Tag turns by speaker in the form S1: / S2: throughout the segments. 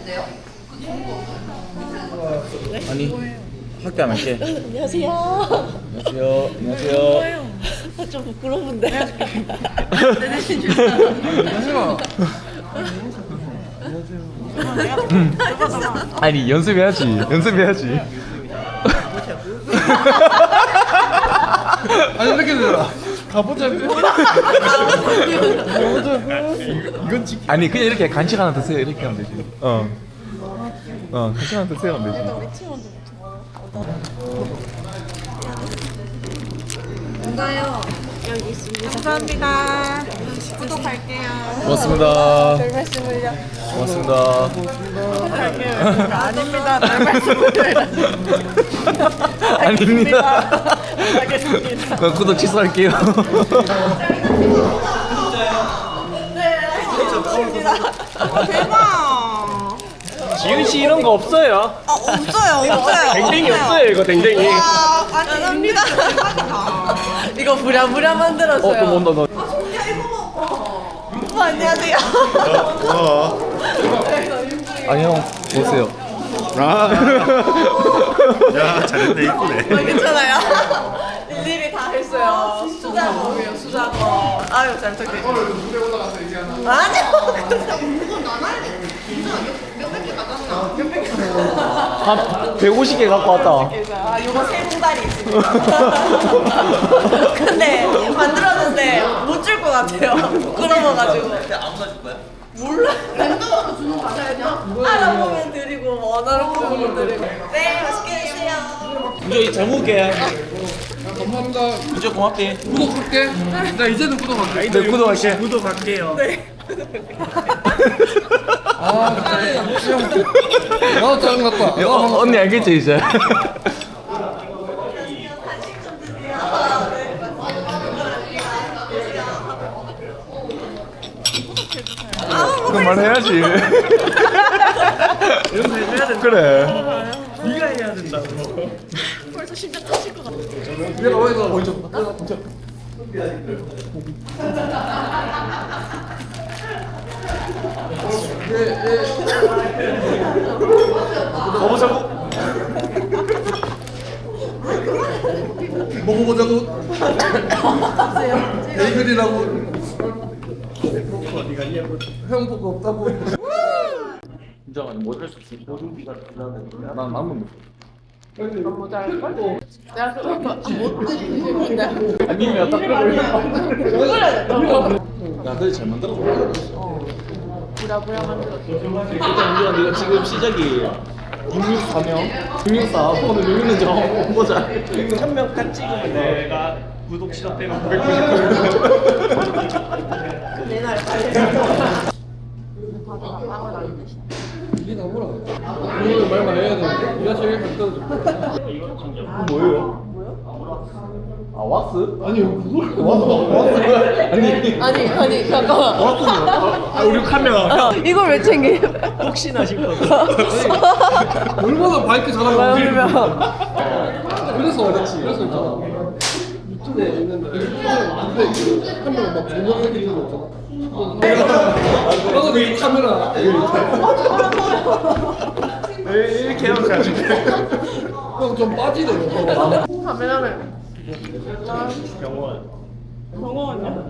S1: 아니 학교 안 할게.
S2: 안녕하세요.
S1: 안녕하세요. 안녕하세요.
S2: 좀 부끄러운데.
S1: 아니 연습해야지. 연습해야지.
S3: 아니 이렇게 되더라. 가보자고. 이건 지키.
S1: 아니 그냥 이렇게 간식 하나 드세요. 이렇게 하면 되지. 간식 하나 드세요 하면 되지.
S2: 뭔가요? 여기 있습니다. 감사합니다. 구독할게요.
S1: 고맙습니다.
S2: 별 말씀을요.
S1: 고맙습니다.
S2: 할게요. 아닙니다. 별 말씀을.
S1: 아닙니다.
S2: 알겠습니다.
S1: 그럼 구독 취소할게요.
S2: 네, 알겠습니다. 대박.
S4: 지윤 씨 이런 거 없어요.
S2: 없어요.
S4: 댕댕이 없어요 이거 댕댕이.
S2: 감사합니다. 이거 부랴부랴 만들었어요.
S1: 또 뭔다 너.
S2: 오빠 안녕하세요.
S1: 아니 형 보세요.
S3: 야 잘했네 이쁘네.
S2: 괜찮아요? 일일이 다 했어요. 수작업이에요, 수작업. 아유, 잘 부탁드려요.
S3: 무대 올라가서 얘기하나?
S2: 아니요.
S1: 한 150개 갖고 왔다.
S2: 아, 요거 세 봉다리 있습니다. 근데 만들었는데 못 줄 것 같아요. 부끄러워가지고.
S3: 아무나 줄 거야?
S2: 몰라. 랜덤으로 주는 거 맞아요? 알아보면 드리고, 원하는 부분 드리고. 네, 맛있게 드세요.
S1: 이제 잘 먹을게.
S3: 감사합니다.
S1: 이제 고맙게.
S3: 구독할게. 나 이제는 구독할게.
S1: 네 구독할게.
S4: 구독할게요.
S2: 네.
S3: 아 나도 짜증 났다.
S1: 언니 알겠지 이제. 그럼 말해야지.
S4: 이런 거 해줘야 된다.
S1: 그래.
S4: 네가 해야 된다고.
S2: 벌써 심장 터질 것 같아.
S3: 내가 어디서 먼저.
S1: 가보자고.
S3: 먹어보자고. 베이글이라고.
S4: 어디 갔냐고.
S3: 형 보고 없다고.
S1: 진짜 못할 수 없어. 모든비가 난 남은 거.
S2: 내가 못 드리는데.
S1: 아니면 딱 야, 그래 잘 만들었어.
S2: 부랴부랴 만들었어.
S1: 일단 우리가 지금 시작이 664명, 664 오늘 몇 명인지 한번 보자.
S4: 1000명 딱 찍으면 내가 구독 시작되면 999.
S2: 내날 빨리. 빵을 안 드시.
S3: 이게 다 뭐라. 오늘 말만 해야 돼. 우리가 제일 가까워져.
S1: 뭐예요? 아 왁스?
S3: 아니요 그걸
S2: 아니 잠깐만.
S4: 아 우리 카메라.
S2: 이걸 왜 챙겨?
S4: 혹시나 싶어서.
S3: 얼마나 바이크 잘하는
S2: 그러면
S3: 그래서 있잖아. 유튜브에 있는데 근데 한 명은 막 조명하게 되는 거 있잖아. 나도 내 카메라
S4: 이렇게 해가지고.
S3: 좀 빠지네요.
S2: 카메라를.
S4: 병원.
S2: 병원이요?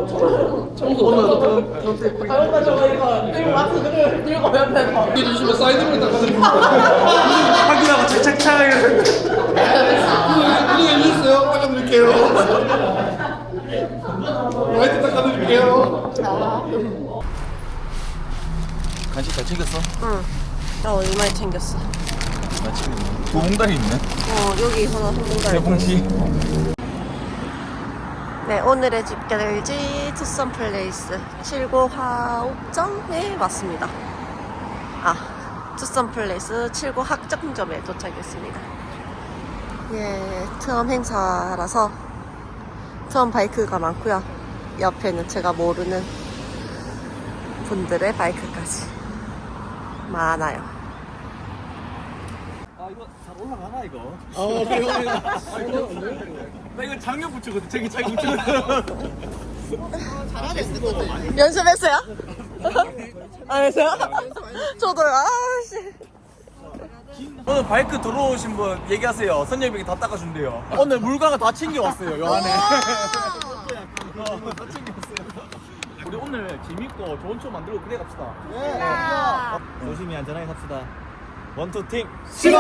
S3: 청소
S2: 아까 저거 이거 들고 와서 들고 옆에서.
S3: 이게 주시면 사이드를 딱 가지고
S4: 확인하고 착착착.
S3: 구독 해주셨어요? 닦아드릴게요. 라이트 닦아드릴게요.
S1: 간식 잘 챙겼어?
S2: 응. 나 얼마에 챙겼어?
S1: 나 챙겼네. 두 봉다리 있네.
S2: 여기 하나 한
S1: 세
S2: 봉다리.
S1: 봉지.
S2: 네, 오늘의 집결지 투썸 플레이스 7구 화옥점에 왔습니다. 투썸 플레이스 7구 학점점에 도착했습니다. 예, 트럼 행사라서 트럼 바이크가 많고요. 옆에는 제가 모르는 분들의 바이크까지 많아요.
S4: 아 이거 잘 올라가나 이거? 나 이거 작년 붙였거든. 저기 자기 붙였거든.
S2: 연습했어요? 아, 진짜? 저도요. 아씨.
S1: 오늘 바이크 들어오신 분 얘기하세요. 선녀님이 다 닦아준대요. 오늘 물건을 다 챙겨왔어요. 요 안에. 다 챙겨왔어요. 우리 오늘 재밌고 좋은 추억 만들고 그래 갑시다. 조심히 안전하게 갑시다. 원투 팀 시작!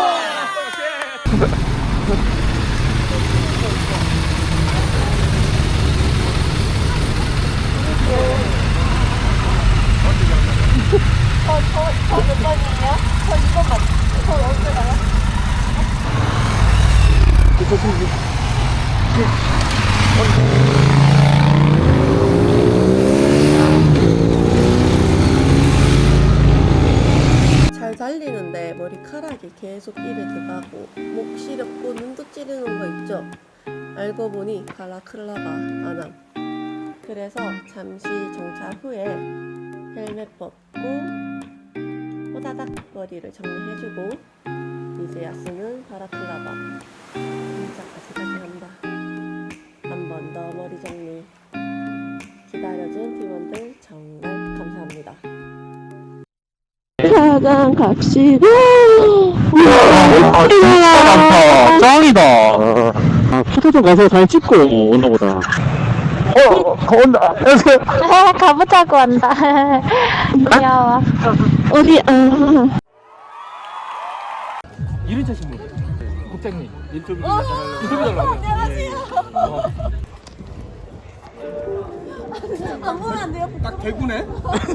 S2: 저몇 번이에요? 저 2번 맞. 저 언제 가요? 잘 달리는데 머리카락이 계속 입에 들어가고 목 시렵고 눈도 찌르는 거 있죠? 알고 보니 발라클라바 안함. 그래서 잠시 정차 후에 헬멧 벗고 호다닥 머리를 정리해주고 이제야 쓰는 바라클라바 인사까지 한다. 한 번 더 머리 정리 기다려준 팀원들 정말 감사합니다. 차장 갑시다.
S5: 아, 진짜 많다. 짱이다. 포토존 가서 사진 찍고 오나 보다. 온다.
S6: 가보자고 한다. 귀여워.
S5: 어디,
S1: 이른차 신분. 국장님 인터뷰 달라고.
S2: 안녕하세요. 안 보면 안 돼요?
S3: 딱 대구네.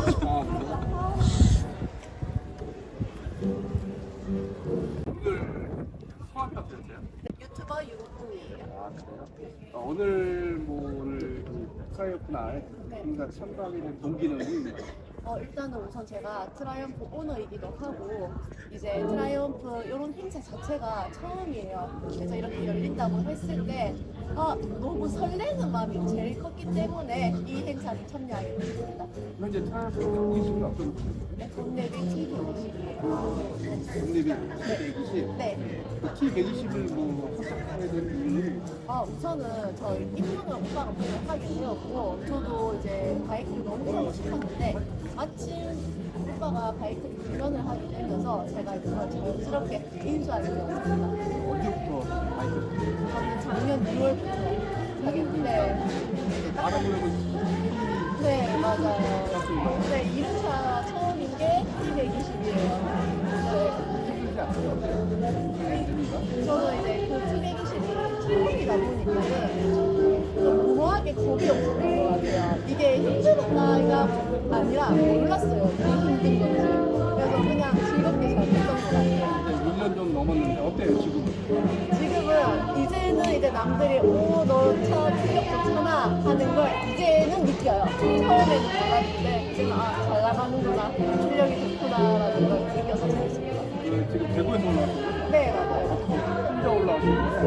S2: 유튜버 유국이에요.
S3: 오늘 뭐 오늘 트라이어프 날 행사 참가하게 된 동기는
S7: 일단은 우선 제가 트라이언프 오너이기도 하고 이제 트라이언프 이런 행사 자체가 처음이에요. 그래서 이렇게 열린다고 했을 때 너무 설레는 마음이 제일 컸기 때문에 이 행사에 참여하게 됐습니다.
S3: 현재 트라이어프 동기수는 어떤 분이세요?
S7: 네, 동네비 T120이에요.
S3: 동립이 T120.
S7: 네.
S3: 그 T120을 뭐 선택하게 된 이유는
S7: 우선은 저 입문을 오빠가 먼저 하게 되었고 저도 이제 바이크를 너무 타고 싶었는데 마침 오빠가 바이크 훈련을 하게 되면서 제가 이제 그걸 자연스럽게 인수하게 되었습니다.
S3: 언제부터 바이크를
S7: 저는 작년 2월부터 하게 됐는데
S3: 알아보려고
S7: 네 맞아요. 네 2차 처음인 게 T120이에요.
S3: 힘들지 않아요?
S7: 저는 이제 그 T120이 처음이다 보니까는 좀 무모하게 겁이 없었던 것 같아요. 이게 힘들었나가 아니라 몰랐어요. 이게 힘든 건지. 그래서 그냥 즐겁게 잘 했던 것 같아요.
S3: 이제 1년 좀 넘었는데 어때요 지금은?
S7: 지금은 이제는 이제 남들이 너차 실력 좋잖아 하는 걸 이제는 느껴요. 처음에는 몰랐는데 이제는 잘 나가는구나 실력이 좋구나라는 걸 느껴서 재밌습니다.
S3: 지금 대구에서 올라왔어요?
S7: 네 맞아요.
S3: 혼자 올라왔어요?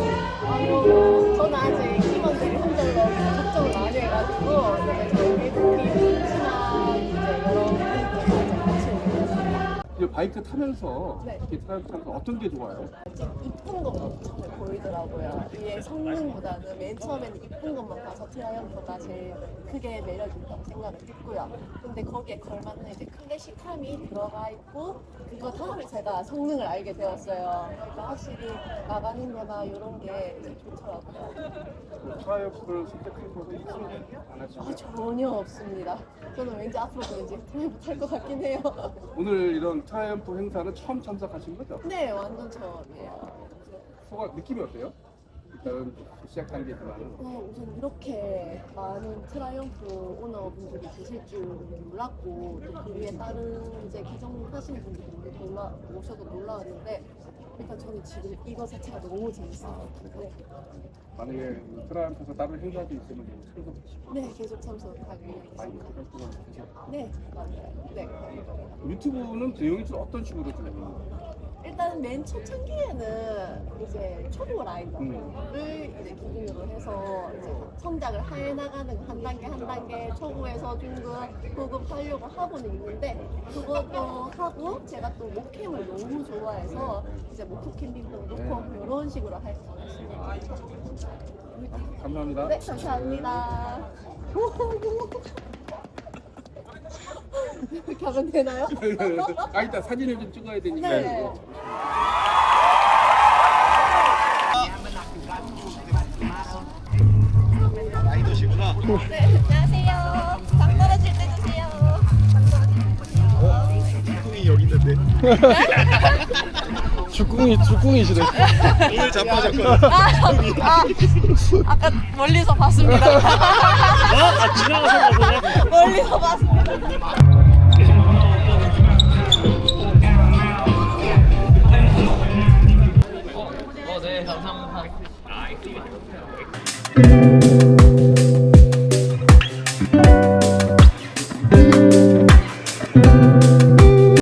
S7: 저는 아직 팀원들이 혼자로 걱정을 많이 해가지고 이제 저희 팀 친한 이제 여러 분들과 같이 오게 됐습니다.
S3: 이제 바이크 타면서
S7: 네.
S3: 이렇게 트라이어프 타면서 어떤 게 좋아요?
S7: 좀 이쁜 것만 처음에 보이더라고요. 이게 성능보다는 맨 처음에는 이쁜 것만 봐서 트라이언프가 제일 크게 매력이 있다고 생각을 했고요. 근데 거기에 걸맞는 이제 클래식함이 들어가 있고 그거 다음에 제가 성능을 알게 되었어요. 그러니까 확실히 나가는 데나 이런 게 이제 좋더라고요.
S3: 트라이어프를 선택한 것은 후회는 안 하시나요?
S7: 전혀 없습니다. 저는 왠지 앞으로도 왠지 드라이브 탈 것 같긴 해요.
S3: 오늘 이런 트라이어프 행사는 처음 참석하신 거죠?
S7: 네, 완전 처음이에요.
S3: 소감 느낌이 어때요? 일단 시작한 게 그만은
S7: 우선 이렇게 많은 트라이언프 오너분들이 계실 줄 몰랐고 또 그 위에 다른 이제 기종하시는 분들이 오셔도 놀라웠는데 일단 저는 지금 이거 자체가 너무 재밌어요. 네,
S3: 만약에 트라이언프에서 다른 행사도 있으면 참석하시고
S7: 네 계속 참석하고
S3: 많이
S7: 있습니다.
S3: 활동을 해서
S7: 네, 맞아요. 네.
S3: 유튜브는 내용이 좀 어떤 식으로 좀
S7: 일단 맨 초창기에는 이제 초보 라이더를 이제 기준으로 해서 이제 성장을 해 나가는 한 단계 한 단계 초보에서 중급, 고급 하려고 하고는 있는데 그것도 하고 제가 또 목캠을 너무 좋아해서 이제 모토 캠핑도 놓고 이런 식으로 할 것 같습니다.
S3: 감사합니다.
S7: 네, 감사합니다. 가면 되나요?
S3: 아 이따 사진을 좀 찍어야 되니까.
S7: 네. 네, 안녕하세요. 당 떨어질 때 주세요. 당 떨어질 때 주세요.
S4: 이 여기 있는데.
S3: 죽궁이시네.
S4: 오늘 자빠졌거든.
S2: 아까 멀리서 봤습니다.
S4: 아 지나가서 보네.
S2: 멀리서 봤습니다.
S1: 네 감사합니다.